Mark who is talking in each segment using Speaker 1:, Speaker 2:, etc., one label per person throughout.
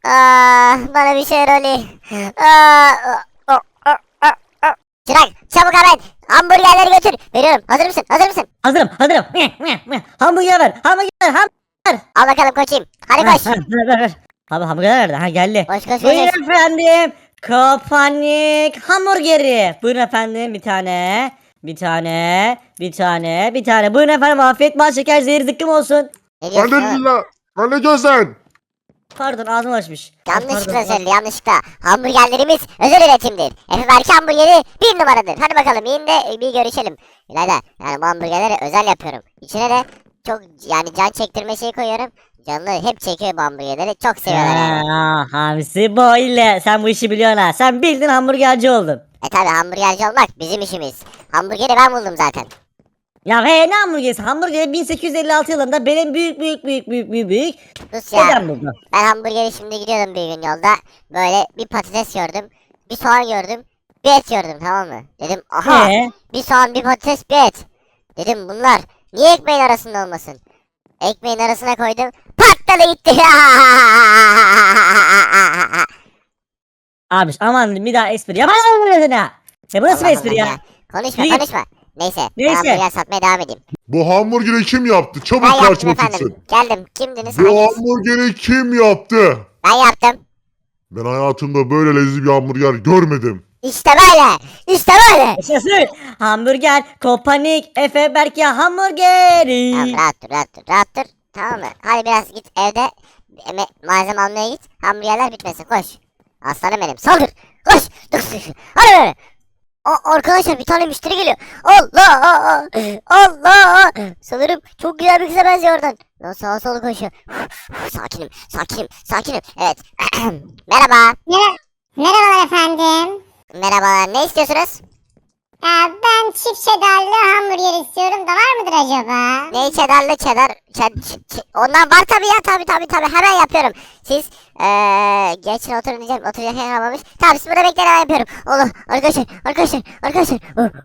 Speaker 1: Bana bir şeyler oluyor. Çırak çabuk hemen hamburgerleri götür. Veriyorum. Hazır mısın? Hazır mısın?
Speaker 2: Hazırım hazırım. Hamburger ver. Hamburger.
Speaker 1: Al bakalım koçayım. Hadi koş.
Speaker 2: Ver. Abi hamburger nerede? Ha geldi.
Speaker 1: Koş koş koş.
Speaker 2: Buyurun efendim. Kopanik hamburgeri. Buyurun efendim bir tane. Bir tane. Buyurun efendim afiyet bal şeker zehir zıkkım olsun.
Speaker 1: Ne diyorsun oğlum?
Speaker 3: Halilullah. Ne diyorsun?
Speaker 2: Pardon ağzım açmış.
Speaker 1: Yanlışlıkla söyledi yanlışlıkla. Hamburgerlerimiz özel üretimdir. Efe Berke hamburgeri 1 numaradır. Hadi bakalım yiyin de bir görüşelim. İlayda yani bu hamburgerleri özel yapıyorum. İçine de çok yani can çektirme şeyi koyuyorum. Canlı hep çekiyor bu hamburgerleri. Çok seviyorlar yani.
Speaker 2: Hamsi boyle. Sen bu işi biliyorsun ha. Sen bildin hamburgerci oldun.
Speaker 1: Tabi hamburgerci olmak bizim işimiz. Hamburgeri ben buldum zaten.
Speaker 2: Ya ne hamburgeri? Hamburgeri 1856 yılında benim büyük
Speaker 1: Sus ya.
Speaker 2: dedem buldu.
Speaker 1: Ben hamburgeri şimdi gidiyordum bir gün yolda. Böyle bir patates gördüm. Bir soğan gördüm. Bir et gördüm tamam mı? Dedim aha. Bir soğan bir patates bir et. Dedim bunlar niye ekmeğin arasında olmasın? Ekmeğin arasına koydum. Patladı gitti.
Speaker 2: Abi aman bir daha espri yapamam ha. Ne bu nasıl bir
Speaker 1: Allah
Speaker 2: espri
Speaker 1: Allah
Speaker 2: ya?
Speaker 1: Konuşma
Speaker 2: Yürü git.
Speaker 1: konuşma. Neyse ben
Speaker 2: Neyse.
Speaker 1: hamburger satmaya devam edeyim.
Speaker 3: Bu hamburgeri kim yaptı?
Speaker 1: Ben
Speaker 3: Çabuk
Speaker 1: yaptım
Speaker 3: karşıma
Speaker 1: efendim.
Speaker 3: çıksın.
Speaker 1: Geldim. Kimdiniz?
Speaker 3: Bu
Speaker 1: Hanginiz?
Speaker 3: hamburgeri kim yaptı?
Speaker 1: Ben yaptım.
Speaker 3: Ben hayatımda böyle lezzetli bir hamburger görmedim.
Speaker 1: İşte böyle. İşte böyle.
Speaker 2: Yaşasın. Hamburger, Kopanik, Efe Berke hamburgeri.
Speaker 1: Tamam rahat dur rahat dur rahat dur. Tamam mı? Hadi biraz git evde malzeme almaya git. Hamburgerler bitmesin koş. Aslanım benim saldır. Koş. Hadi böyle. Arkadaşlar bir tane müşteri geliyor. Allah! Allah! Sanırım çok güzel bir kıza benziyor oradan. Lan sağa sola koşuyor. Sakinim. Evet. Merhaba.
Speaker 4: Merhabalar efendim.
Speaker 1: Merhabalar. Ne istiyorsunuz?
Speaker 4: Ben çift cheddarlı hamburger istiyorum da var mıdır acaba?
Speaker 1: Ne cheddarlı ondan var tabii ya tabii hemen yapıyorum. Siz geçin oturun diyeceğim oturacak yer kalmamış. Tamam siz burada bekleyin hemen yapıyorum. Allah arkadaşlar.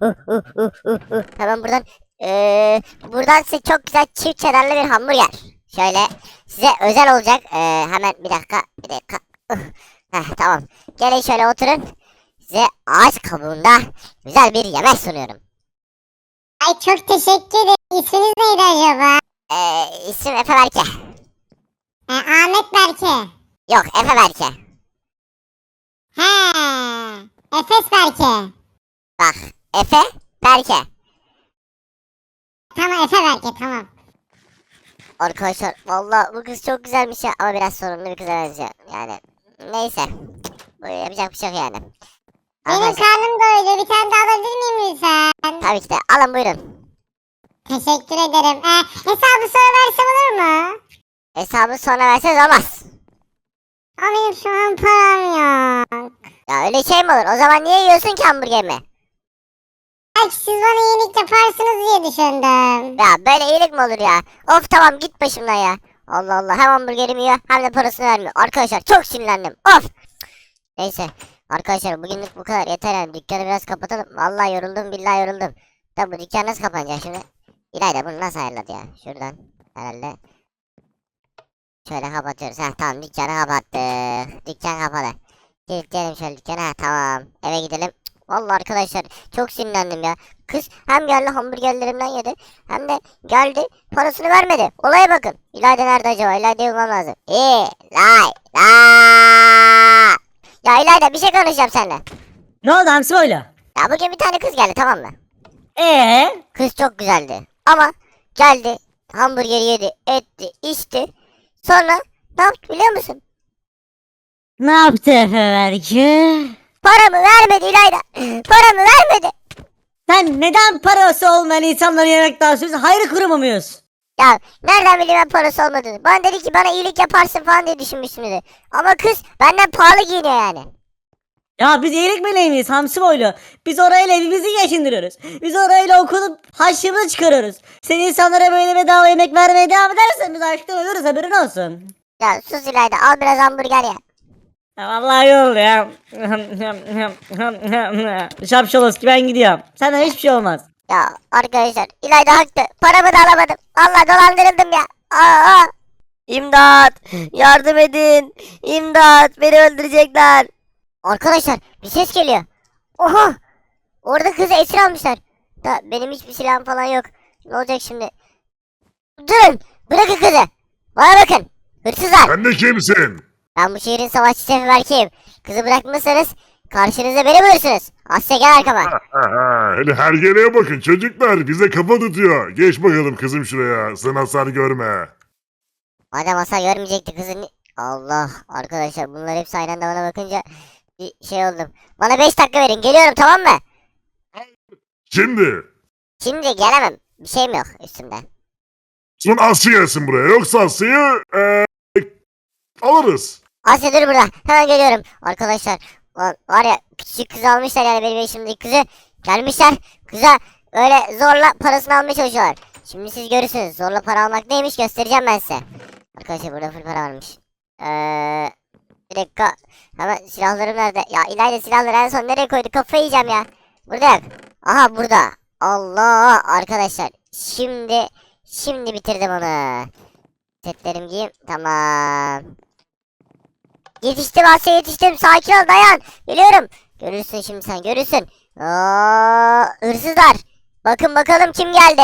Speaker 1: Hemen buradan size çok güzel çift cheddarlı bir hamburger. Şöyle size özel olacak. Hemen bir dakika. Tamam. Gelin şöyle oturun. Size ağaç kabuğunda güzel bir yemek sunuyorum.
Speaker 4: Ay çok teşekkür ederim. İsminiz neydi acaba?
Speaker 1: İsim Efe Berke.
Speaker 4: Ahmet Berke.
Speaker 1: Yok Efe Berke.
Speaker 4: He. Efes Berke.
Speaker 1: Bak Efe Berke.
Speaker 4: Tamam Efe Berke tamam.
Speaker 1: Arkadaşlar valla bu kız çok güzelmiş ya ama biraz sorunlu bir kıza benziyor. Yani neyse. Bu yapacak bir şey yok yani.
Speaker 4: Benim
Speaker 1: Arkadaşlar,
Speaker 4: karnım doydu. Bir tane daha alabilir miyim lütfen?
Speaker 1: tabii ki de alın buyurun.
Speaker 4: Teşekkür ederim. Hesabı sonra versem olur mu?
Speaker 1: Hesabı sonra verseniz olmaz.
Speaker 4: Ama benim şu an param yok.
Speaker 1: Ya öyle şey mi olur? O zaman niye yiyorsun ki hamburgerimi?
Speaker 4: Belki siz bana iyilik yaparsınız diye düşündüm.
Speaker 1: Ya böyle iyilik mi olur ya? Of tamam git başımdan ya. Allah Allah hem hamburgerimi yiyor hem de parasını vermiyor. Arkadaşlar çok sinirlendim. Of. Neyse. Arkadaşlar bugünlük bu kadar yeter yani. Dükkanı biraz kapatalım. Vallahi yoruldum billahi yoruldum. Tabi bu dükkan nasıl kapanacak şimdi? İlayda bunu nasıl ayarladı ya? Şuradan herhalde. Şöyle kapatıyoruz. Tamam dükkanı kapattık. Dükkan kapalı. Kilitleyelim şöyle dükkanı. Tamam. Eve gidelim. Vallahi arkadaşlar çok sinirlendim ya. Kız hem geldi hamburgerlerimden yedi hem de geldi parasını vermedi. Olaya bakın. İlayda nerede acaba? İlayda'yı bulmam lazım. İlayda. Ya İlayda bir şey konuşacağım seninle.
Speaker 2: Ne oldu Hamsi boylu?
Speaker 1: Ya bugün bir tane kız geldi tamam mı?
Speaker 2: Kız
Speaker 1: Kız çok güzeldi. Ama geldi hamburgeri yedi etti içti. Sonra ne yaptı biliyor musun?
Speaker 2: ne yaptı Efe Berke?
Speaker 1: Paramı vermedi İlayda. Paramı vermedi.
Speaker 2: Sen neden parası olmayan insanları yemek dağıtıyorsun? Hayır kurumu muyuz?
Speaker 1: Ya nereden bileyim ben parası olmadığını. Bana dedi ki bana iyilik yaparsın falan diye düşünmüştüm dedi. Ama kız benden pahalı giyiniyor yani.
Speaker 2: Ya biz iyilik meleği miyiz Hamsi boylu? Biz orayla evimizi geçindiriyoruz. Biz orayla okulup harçlığımızı çıkarıyoruz. Sen insanlara böyle bedava yemek vermeye devam edersen biz açlıktan ölürüz haberin olsun.
Speaker 1: Ya sus İlayda al biraz hamburger ya.
Speaker 2: Ya vallahi iyi oldu ya. Şapşalos ki ben gidiyorum. Senden hiçbir şey olmaz.
Speaker 1: Ya arkadaşlar İlayda haklı. Paramı da alamadım. Vallahi dolandırıldım ya. Aa.
Speaker 5: İmdat! Yardım edin! İmdat! Beni öldürecekler.
Speaker 1: Arkadaşlar bir ses geliyor. Oha! Orada kızı esir almışlar. Da benim hiçbir silahım falan yok. Ne olacak şimdi? Durun! Bırakın kızı! Bana bakın! Hırsızlar!
Speaker 3: Sen de kimsin?
Speaker 1: Ben bu şehrin savaşçı şefi Berke'yim. Kızı bırakmazsanız karşınıza beni bulursunuz. Asya gel arkama.
Speaker 3: Hele hergeleye bakın çocuklar. Bize kafa tutuyor. Geç bakalım kızım şuraya. Sen hasar görme.
Speaker 1: Madem Asya görmeyecekti kızın. Allah arkadaşlar bunlar hepsi aynı anda bana bakınca bir şey oldum. Bana 5 dakika verin geliyorum tamam mı?
Speaker 3: Şimdi.
Speaker 1: Şimdi gelemem. Bir şeyim yok üstümde.
Speaker 3: Son Asya gelsin buraya. Yoksa Asya'yı alırız.
Speaker 1: Asya dur burada. Hemen geliyorum. Arkadaşlar var ya küçük kızı almışlar yani benim eşimdeki kızı. Gelmişler kıza öyle zorla parasını almaya çalışıyorlar. Şimdi siz görürsünüz. Zorla para almak neymiş göstereceğim ben size. Arkadaşlar burada full para varmış. Bir dakika. Hemen silahlarım nerede? Ya İlayda silahları en son nereye koydu? Kafayı yiyeceğim ya. Burada yok. Aha burada. Allah arkadaşlar. Şimdi bitirdim onu. Setlerimi giyeyim. Tamam. Yetiştim Asya yetiştim. Sakin ol dayan. Geliyorum. Görürsün şimdi sen görürsün. Hırsızlar. Bakın bakalım kim geldi.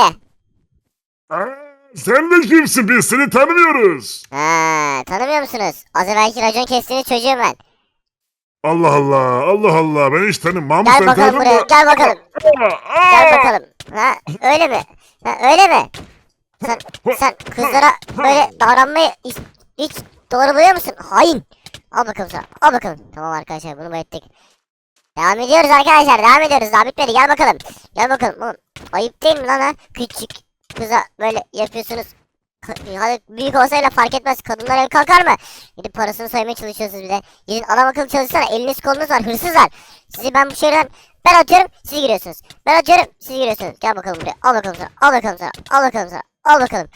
Speaker 3: Sen de kimsin? Biz seni tanımıyoruz.
Speaker 1: Tanımıyor musunuz? Az evvelki racon kestiğiniz çocuğum ben.
Speaker 3: Allah Allah. Allah Allah. Ben hiç tanımam.
Speaker 1: Gel
Speaker 3: Sen
Speaker 1: bakalım
Speaker 3: tanıdın
Speaker 1: buraya.
Speaker 3: mı?
Speaker 1: Gel bakalım. Gel bakalım. Öyle mi? Öyle mi? Sen kızlara böyle davranmayı hiç doğru buluyor musun? Hain. Al bakalım sana. Al bakalım. Tamam arkadaşlar bunu mu ettik? Devam ediyoruz arkadaşlar. Devam ediyoruz. Daha bitmedi. Gel bakalım. Gel bakalım. Oğlum, ayıp değil mi lan ha? Küçük kıza böyle yapıyorsunuz. Hadi büyük olsayla fark etmez. Kadınlar el kalkar mı? Gidip parasını soymaya çalışıyorsunuz bir de. Gidin adam akıllı çalışsana. Eliniz kolunuz var. Hırsızlar. Sizi ben bu şehirden ben atıyorum. Siz giriyorsunuz. Ben atıyorum. Siz giriyorsunuz. Gel bakalım buraya. Al bakalım sana. Al bakalım sana. Al bakalım sana. Al bakalım.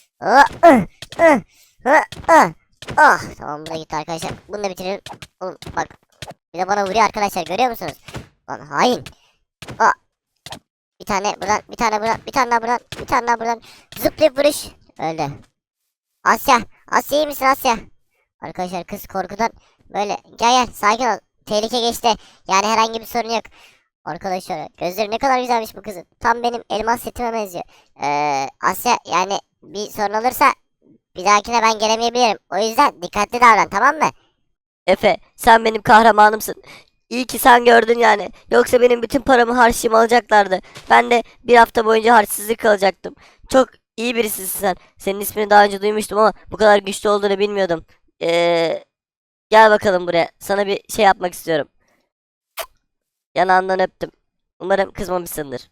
Speaker 1: Tamam bu da gitti arkadaşlar. Bunu da bitirelim. Oğlum bak. Bir de bana vuruyor arkadaşlar. Görüyor musunuz? Lan hain. Bir tane buradan. Bir tane buradan. Bir tane daha buradan. Bir tane daha buradan. Zıplayıp vuruş. Öldü. Asya. Asya iyi misin Asya? Arkadaşlar kız korkudan böyle gel sakin ol. Tehlike geçti. Yani herhangi bir sorun yok. Arkadaşlar gözleri ne kadar güzelmiş bu kızın. Tam benim elmas setime benziyor. Asya yani bir sorun olursa bir dahakine ben gelemeyebilirim. O yüzden dikkatli davran tamam mı?
Speaker 5: Efe, sen benim kahramanımsın. İyi ki sen gördün yani. Yoksa benim bütün paramı harçlığımı alacaklardı. Ben de bir hafta boyunca harçsızlık kalacaktım. Çok iyi birisisin sen. Senin ismini daha önce duymuştum ama bu kadar güçlü olduğunu bilmiyordum. Gel bakalım buraya. Sana bir şey yapmak istiyorum. Yanağından öptüm. Umarım kızmamışsındır.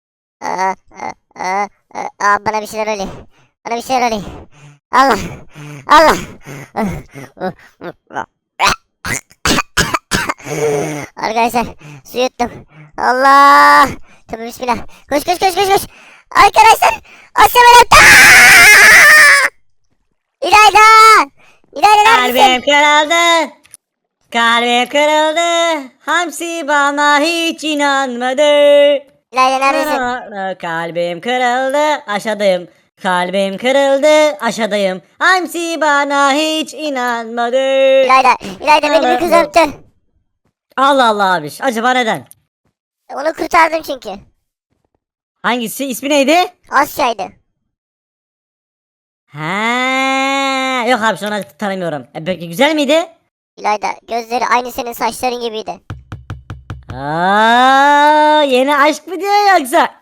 Speaker 1: Bana bir şeyler oluyor. Bana bir şeyler oluyor. Allah. Allah. Arkadaşlar su yuttum. Allah. Tabii bismillah. Koş koş koş koş koş. Arkadaşlar. Asya beni. İlayda. İlayda
Speaker 2: Kalbim
Speaker 1: neredesin?
Speaker 2: kırıldı. Kalbim kırıldı. Hamsi bana hiç inanmadı.
Speaker 1: İlayda neredesin?
Speaker 2: Kalbim kırıldı. Aşağıdayım. Kalbim kırıldı. Aşağıdayım. Hamsi bana hiç inanmadı.
Speaker 1: İlayda. İlayda beni bir kız öptü.
Speaker 2: Allah Allah abi. Acaba neden?
Speaker 1: Onu kurtardım çünkü.
Speaker 2: Hangisi? İsmi neydi?
Speaker 1: Asya'ydı.
Speaker 2: Ha, yok abi sonra tanımıyorum. Peki güzel miydi?
Speaker 1: İlayda gözleri aynı senin saçların gibiydi.
Speaker 2: Yeni aşk mı diyor yoksa?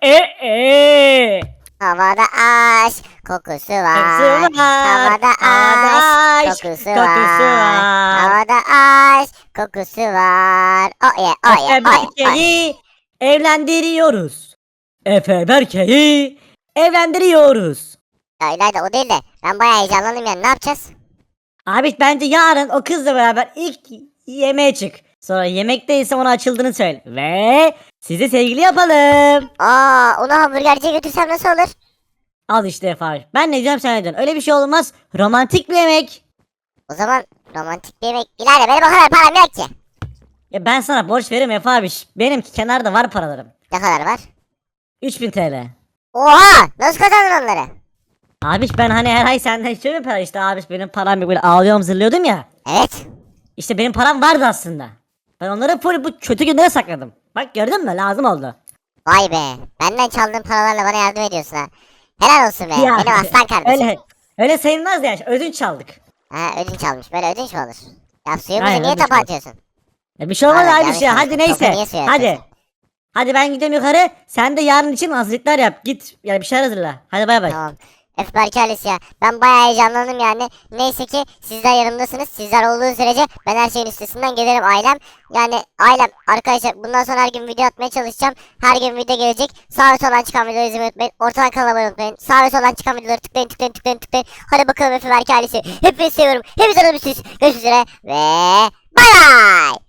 Speaker 1: Havada aşk kokusu var.
Speaker 2: Kokusu var.
Speaker 1: Havada
Speaker 2: Havada
Speaker 1: aşk kokusu
Speaker 2: kokusu
Speaker 1: var.
Speaker 2: var.
Speaker 1: Havada aşk kokusu var. Oh yeah, oh yeah,
Speaker 2: Efe
Speaker 1: oh yeah, oh yeah.
Speaker 2: Berke'yi evlendiriyoruz. Efe Berke'yi evlendiriyoruz.
Speaker 1: Ya İlayda o değil de ben bayağı heyecanlandım yani ne yapacağız?
Speaker 2: Abi bence yarın o kızla beraber ilk yemeğe çık. Sonra yemekteyse ona açıldığını söyle. Ve sizi sevgili yapalım.
Speaker 1: Onu hamburgerciye götürsem nasıl olur?
Speaker 2: Al işte Efe abi. Ben ne diyeceğim sen ne diyorsun? Öyle bir şey olmaz. Romantik bir yemek.
Speaker 1: O zaman romantik bir yemek. İlayda benim o kadar param yok ki.
Speaker 2: Ya ben sana borç veririm Efe abi. Benimki kenarda var paralarım.
Speaker 1: Ne kadar var?
Speaker 2: 3000 TL.
Speaker 1: Oha! Nasıl kazandın onları?
Speaker 2: Abiş ben hani her ay senden istiyorum para işte abiş benim param yok böyle ağlıyorum zırlıyordum ya.
Speaker 1: Evet.
Speaker 2: İşte benim param vardı aslında. Ben onları full bu kötü günlere sakladım. Bak gördün mü lazım oldu.
Speaker 1: Vay be. Benden çaldığın paralarla bana yardım ediyorsun ha. Helal olsun be.
Speaker 2: Ya,
Speaker 1: Benim aslan kardeşim.
Speaker 2: öyle sayılmaz ya ödünç çaldık.
Speaker 1: Ha, ödünç almış. Böyle ödünç mü olur? Ya suyumuzu
Speaker 2: Aynen,
Speaker 1: niye
Speaker 2: ödünç
Speaker 1: tapa
Speaker 2: almış.
Speaker 1: atıyorsun?
Speaker 2: Bir şey olmaz
Speaker 1: Aynen,
Speaker 2: abiş ya
Speaker 1: yanlış
Speaker 2: hadi
Speaker 1: yapmışsın. Topu
Speaker 2: neyse.
Speaker 1: niye suya
Speaker 2: Hadi.
Speaker 1: atıyorsun?
Speaker 2: Hadi ben gidiyorum yukarı. Sen de yarın için hazırlıklar yap. Git yani bir şeyler hazırla. Hadi bay bay.
Speaker 1: Tamam. Öf Berke ailesi ya. Ben bayağı heyecanlandım yani. Neyse ki sizler yanımdasınız. Sizler olduğu sürece ben her şeyin üstesinden gelirim ailem. Yani ailem arkadaşlar bundan sonra her gün video atmaya çalışacağım. Her gün video gelecek. Sağ ve soldan çıkan videoları izlemeyi unutmayın. Ortadan kanala abone unutmayın. Sağ ve soldan çıkan videoları tıklayın tıklayın tıklayın tıklayın. Hadi bakalım Öf Berke ailesi. Hepinizi seviyorum. Hepinizi alıp Görüşmek üzere ve bay bay.